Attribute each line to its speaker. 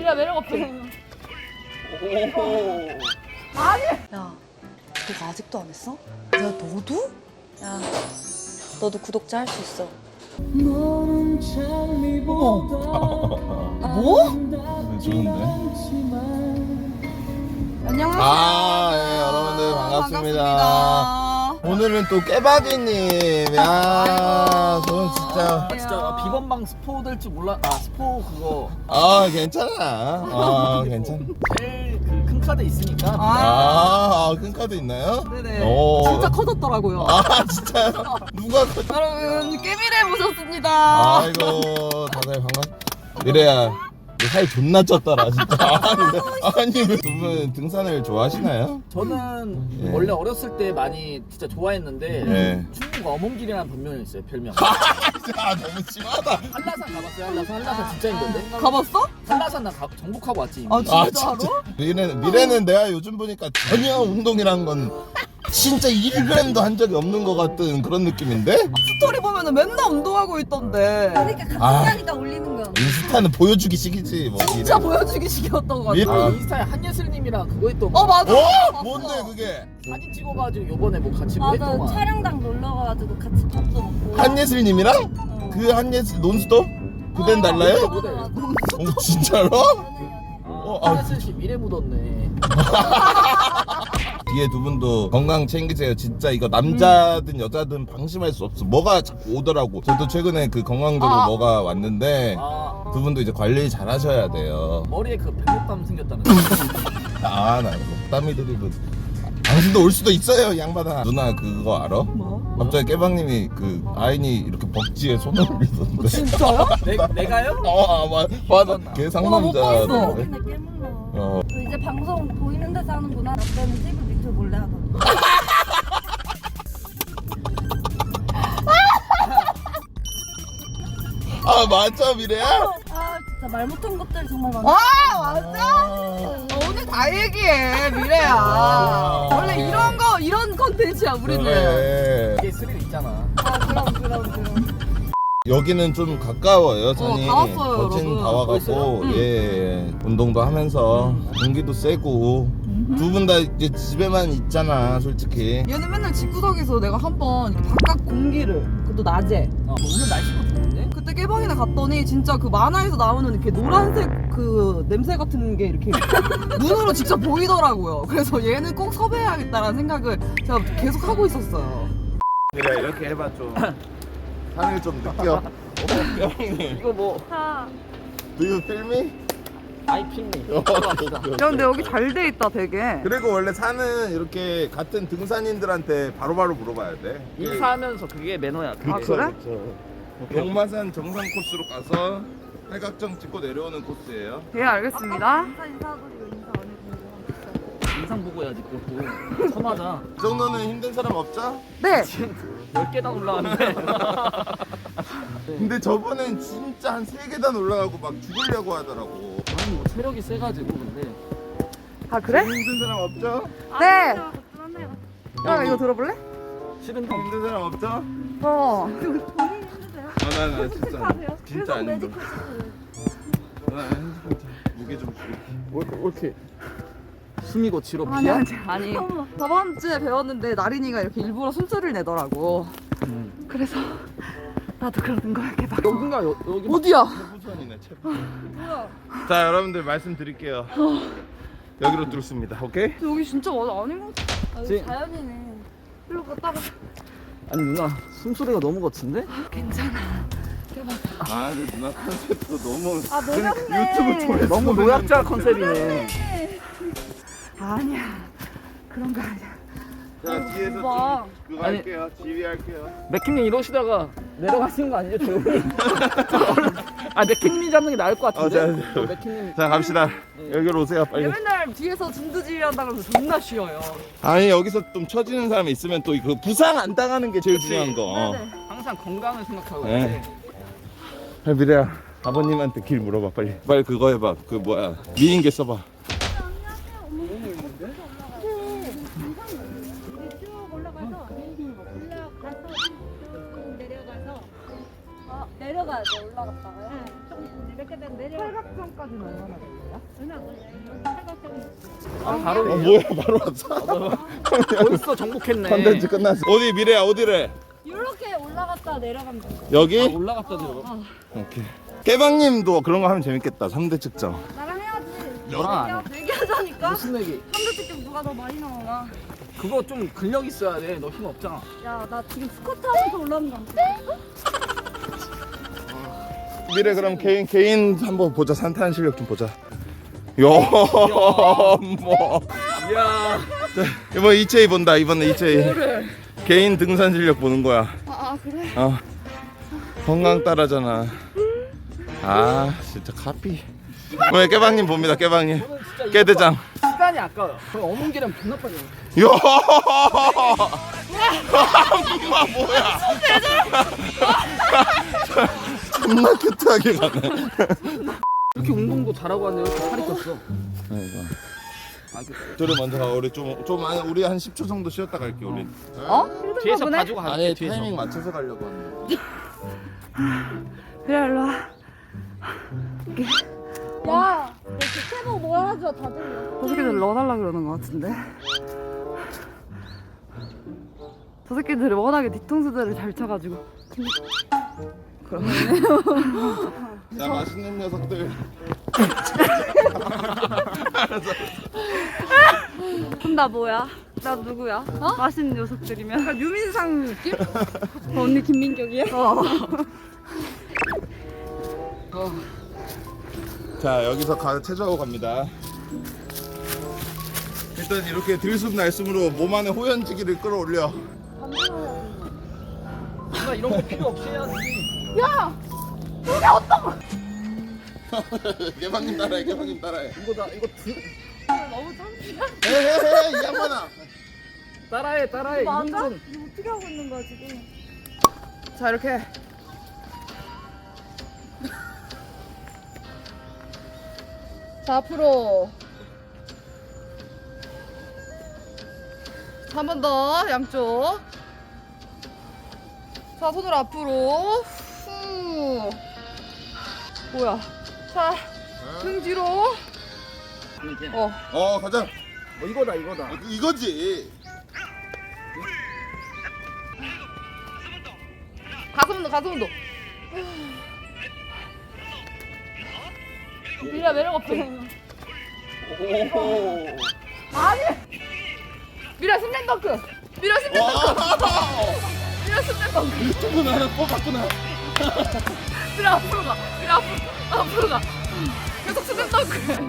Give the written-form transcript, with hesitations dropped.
Speaker 1: 미래야 매력 없지?
Speaker 2: 오.
Speaker 1: 아니.
Speaker 3: 야, 너가 아직도 안 했어? 야, 너도? 야, 너도 구독자 할 수 있어.
Speaker 2: 뭐? 좋은데?
Speaker 1: 안녕하세요.
Speaker 2: 예, 여러분들 반갑습니다. 오늘은 또 깨박이님. 야, 저는 진짜.
Speaker 4: 진짜 비건방 스포 될 줄 몰라. 스포 그거
Speaker 2: 괜찮아. 괜찮아.
Speaker 4: 제일 그 큰 카드 있으니까.
Speaker 2: 큰 카드 있나요?
Speaker 1: 네네.
Speaker 2: 오.
Speaker 1: 진짜 커졌더라고요.
Speaker 2: 진짜요? 누가
Speaker 1: 여러분 깨미래 모셨습니다.
Speaker 2: 아이고, 다들 미래야, 너 살 존나 쪘더라, 진짜. 아니, 왜 두 분 등산을 좋아하시나요?
Speaker 4: 저는
Speaker 2: 예.
Speaker 4: 원래 어렸을 때 많이 진짜 좋아했는데
Speaker 2: 예.
Speaker 4: 충무가 어몽길이라는 본명이 있어요. 별명.
Speaker 2: 너무 심하다.
Speaker 4: 한라산 가봤어요. 한라산 진짜 힘든데.
Speaker 1: 가봤어?
Speaker 4: 한라산 나 진짜로?
Speaker 2: 미래는 내가 요즘 보니까 전혀 운동이란 건 진짜 1g도 한 적이 없는 것 같은 그런 느낌인데?
Speaker 1: 스토리 보면은 맨날 운동하고 있던데.
Speaker 3: 그러니까 같이 하니까 올리는 거야.
Speaker 2: 인스타는 보여주기식이지 뭐.
Speaker 1: 진짜 보여주기 식이었던 것
Speaker 2: 미래-
Speaker 1: 같아.
Speaker 4: 인스타에 한예슬님이랑 그거 했던
Speaker 1: 맞아. 봤어.
Speaker 2: 뭔데 그게?
Speaker 4: 사진 찍어가지고 요번에 뭐 같이 뭐
Speaker 3: 맞아,
Speaker 4: 했던 거.
Speaker 3: 촬영장 놀러 가가지고 같이 밥도 먹고.
Speaker 2: 한예슬님이랑? 그 한예슬 논스톱? 그댄 달라요?
Speaker 3: 맞아.
Speaker 2: 진짜로? 아.
Speaker 4: 한예슬 씨 미래 묻었네.
Speaker 2: 뒤에 두 분도 건강 챙기세요. 진짜 이거 남자든 여자든 방심할 수 없어. 뭐가 자꾸 오더라고. 저도 최근에 그 건강적으로 뭐가 왔는데 두 분도 이제 관리 잘 하셔야 돼요.
Speaker 4: 머리에 그 백목감 생겼다는
Speaker 2: 나 땀이 들이고. 당신도 올 수도 있어요, 이 양반아. 누나 그거 알아?
Speaker 1: 뭐?
Speaker 2: 갑자기 깨방님이 그 아인이 이렇게 벅지에 손을 올리던데.
Speaker 1: 진짜요?
Speaker 4: 내가요?
Speaker 2: 맞아. 걔
Speaker 1: 나
Speaker 2: 상남자.
Speaker 1: 못 봤어.
Speaker 3: 맨날 깨물러.
Speaker 2: 어.
Speaker 3: 너 이제 방송 보이는 데서 하는구나. 나 때는 TV 밑에 몰래 하거든.
Speaker 2: 맞아, 미래야?
Speaker 3: 진짜 말 못한 것들 정말 많아.
Speaker 1: 오늘 다 얘기해 미래야. 원래 이런 컨텐츠야 우리는.
Speaker 2: 그래.
Speaker 4: 이게 스릴 있잖아.
Speaker 3: 그럼.
Speaker 2: 여기는 좀 가까워요, 산이.
Speaker 1: 다 왔어요,
Speaker 2: 거진
Speaker 1: 여러분.
Speaker 2: 다 와갖고,
Speaker 4: 벌써요?
Speaker 2: 예. 운동도 하면서, 공기도 쐬고. 두 분 다 이제 집에만 있잖아, 솔직히.
Speaker 1: 얘는 맨날 집구석에서 내가 한번 바깥 공기를 그것도 낮에
Speaker 4: 오늘 날씨가 좋은데?
Speaker 1: 그때 깨방이나 갔더니 진짜 그 만화에서 나오는 이렇게 노란색 그 냄새 같은 게 이렇게 눈으로 직접 보이더라고요. 그래서 얘는 꼭 섭외해야겠다라는 생각을 제가 계속 하고 있었어요.
Speaker 2: 그래, 이렇게 해봐, 좀. 산을 좀 느껴. 형님.
Speaker 4: 이거 뭐
Speaker 2: Do you feel me?
Speaker 4: 아이핑미.
Speaker 1: 야 근데 여기 잘 돼 있다 되게.
Speaker 2: 그리고 원래 산은 이렇게 같은 등산인들한테 바로바로 물어봐야 돼.
Speaker 4: 인사하면서 그게 매너야.
Speaker 1: 아 그래?
Speaker 2: 용마산 정상 코스로 가서 팔각정 찍고 내려오는 코스예요.
Speaker 1: 예 알겠습니다.
Speaker 3: 인사하고 인사 안 해주고.
Speaker 4: 인상 보고 해야지 그것도. 서마자.
Speaker 2: 이 정도는 힘든 사람 없죠?
Speaker 1: 네.
Speaker 4: 10계단 올라왔는데.
Speaker 2: 근데 저번엔 진짜 한 3계단 올라가고 막 죽으려고 하더라고.
Speaker 4: 아니 뭐 체력이 세가지고 근데.
Speaker 1: 아 그래?
Speaker 2: 힘든 사람 없죠?
Speaker 1: 네. 야 이거 들어볼래?
Speaker 4: 싫은데.
Speaker 2: 힘든 사람 없죠? 나 진짜 안 힘들어. 나 무게 좀 줄게.
Speaker 4: 이렇게 숨이고 지로 비야?
Speaker 1: 아니 저번 주에 배웠는데 나린이가 이렇게 일부러 숨소리를 내더라고. 그래서 나도 그러는 거야 개박.
Speaker 4: 여긴가 여기.
Speaker 1: 어디야?
Speaker 2: 체부선이네 체부. 자 여러분들 말씀드릴게요. 여기로 뚫습니다. 오케이?
Speaker 1: 여기 진짜 맞아 아닌 것 같아.
Speaker 4: 지-
Speaker 3: 자연이네.
Speaker 1: 일로 갔다가
Speaker 4: 아니 누나 숨소리가 너무 거친데?
Speaker 1: 괜찮아.
Speaker 2: 근데 누나 컨셉도 너무
Speaker 3: 노랗네.
Speaker 2: 유튜브 조회수
Speaker 4: 너무 노약자 컨셉이네.
Speaker 1: 아니야 그런 거 아니야.
Speaker 2: 자 뒤에서
Speaker 3: 오빠.
Speaker 2: 좀 그거
Speaker 4: 아니.
Speaker 2: 할게요. 지휘할게요.
Speaker 4: 맥킴님 이러시다가 내려가시는 거 아니죠 조용히? 맥킴님 잡는 게 나을 것 같은데.
Speaker 2: 자,
Speaker 4: 맥킴님.
Speaker 2: 자 갑시다. 여기로 오세요 빨리.
Speaker 1: 얘 맨날 뒤에서 진두지휘 한다 그러면서 존나 쉬어요.
Speaker 2: 아니 여기서 좀 처지는 사람이 있으면 또 그 부상 안 당하는 게 제일 중요한 거.
Speaker 4: 항상 건강을 생각하고.
Speaker 2: 네. 미래야 아버님한테 길 물어봐 빨리. 빨리 그거 해봐. 그 뭐야 미인계 써봐.
Speaker 3: 내려가야 돼. 올라갔다가요.
Speaker 1: 이렇게 된 팔각정까지는 얼마나 돼?
Speaker 4: 바로
Speaker 2: 뭐야 바로 왔어?
Speaker 4: 벌써 정복했네.
Speaker 2: 컨텐츠 끝났어. 어디 미래야 어디래?
Speaker 3: 이렇게 올라갔다 내려가면 돼.
Speaker 2: 여기?
Speaker 4: 올라갔다 들어가.
Speaker 2: 오케이. 깨방님도 그런 거 하면 재밌겠다. 3대 측정.
Speaker 3: 나랑 해야지.
Speaker 4: 너랑 안 해.
Speaker 3: 내기하자니까.
Speaker 4: 무슨 얘기?
Speaker 3: 3대 특집 누가 더 많이 나오나.
Speaker 4: 그거 좀 근력 있어야 돼. 너 힘 없잖아.
Speaker 3: 야, 나 지금 스쿼트 하면서 올라오는 거 같아.
Speaker 2: 미래 그럼 개인 한번 보자. 산타는 실력 좀 보자. 야, 뭐.
Speaker 4: 이야.
Speaker 2: 이번 이채이 본다. 이번에 이채이. 개인 등산 실력 보는 거야.
Speaker 3: 아, 그래?
Speaker 2: 건강 따라잖아. 아, 진짜 카피. 왜 깨방님 봅니다. 깨방님. 깨대장.
Speaker 4: 시간이 아까워요. 그럼 어문기랑 존나 빨리.
Speaker 2: 야, 엄마 뭐야? 존나 큐트하게 가네.
Speaker 4: 이렇게 운동도 잘하고 하는데 이렇게 살이 쪘어.
Speaker 2: 저를 먼저 가. 우리 우리 한 10초 정도 쉬었다 갈게. 우리.
Speaker 4: 뒤에서 봐주고 가게.
Speaker 2: 아니
Speaker 4: 뒤에서.
Speaker 2: 타이밍 맞춰서 가려고 하는데.
Speaker 3: 그래, 일로 와. 야, 너 주체복 뭐 하죠? 다 들려.
Speaker 1: 저 새끼들 넣어달라 그러는 것 같은데. 저 새끼들이 워낙에 뒤통수들을 잘 쳐가지고.
Speaker 2: 자, 맛있는 녀석들.
Speaker 3: 그럼 나 뭐야? 나 누구야? 맛있는 녀석들이면? 약간 유민상 느낌? 언니 김민경이야?
Speaker 2: 자, 여기서 체조하고 갑니다. 일단 이렇게 들숨 날숨으로 몸 안에 호연지기를 끌어올려.
Speaker 4: 누가 이런 거 필요 없이 해야지.
Speaker 2: 개방님 따라해. 개방님 따라해.
Speaker 4: 이거
Speaker 3: 너무 참기가?
Speaker 2: 헤헤헤 이 양반아.
Speaker 4: 따라해.
Speaker 3: 맞아?
Speaker 4: 이
Speaker 3: 이거
Speaker 4: 정도는.
Speaker 3: 어떻게 하고 있는 거야 지금?
Speaker 1: 자, 이렇게. 자, 앞으로. 한 번 더, 양쪽. 자, 손을 앞으로. 후. 뭐야. 자, 등 뒤로.
Speaker 2: 가자.
Speaker 4: 이거다.
Speaker 2: 이거지.
Speaker 1: 가슴 운동, 가슴 운동. 미라 매력 없지?
Speaker 2: 오.
Speaker 1: 미라 스맨 덩크. 미라 스맨 덩크.
Speaker 2: 와.
Speaker 1: 미라 스맨 덩크.
Speaker 2: 유튜브 하나 뽑았구나.
Speaker 1: 미라 앞으로 가. 미라 앞으로 가. 계속 스맨 덩크.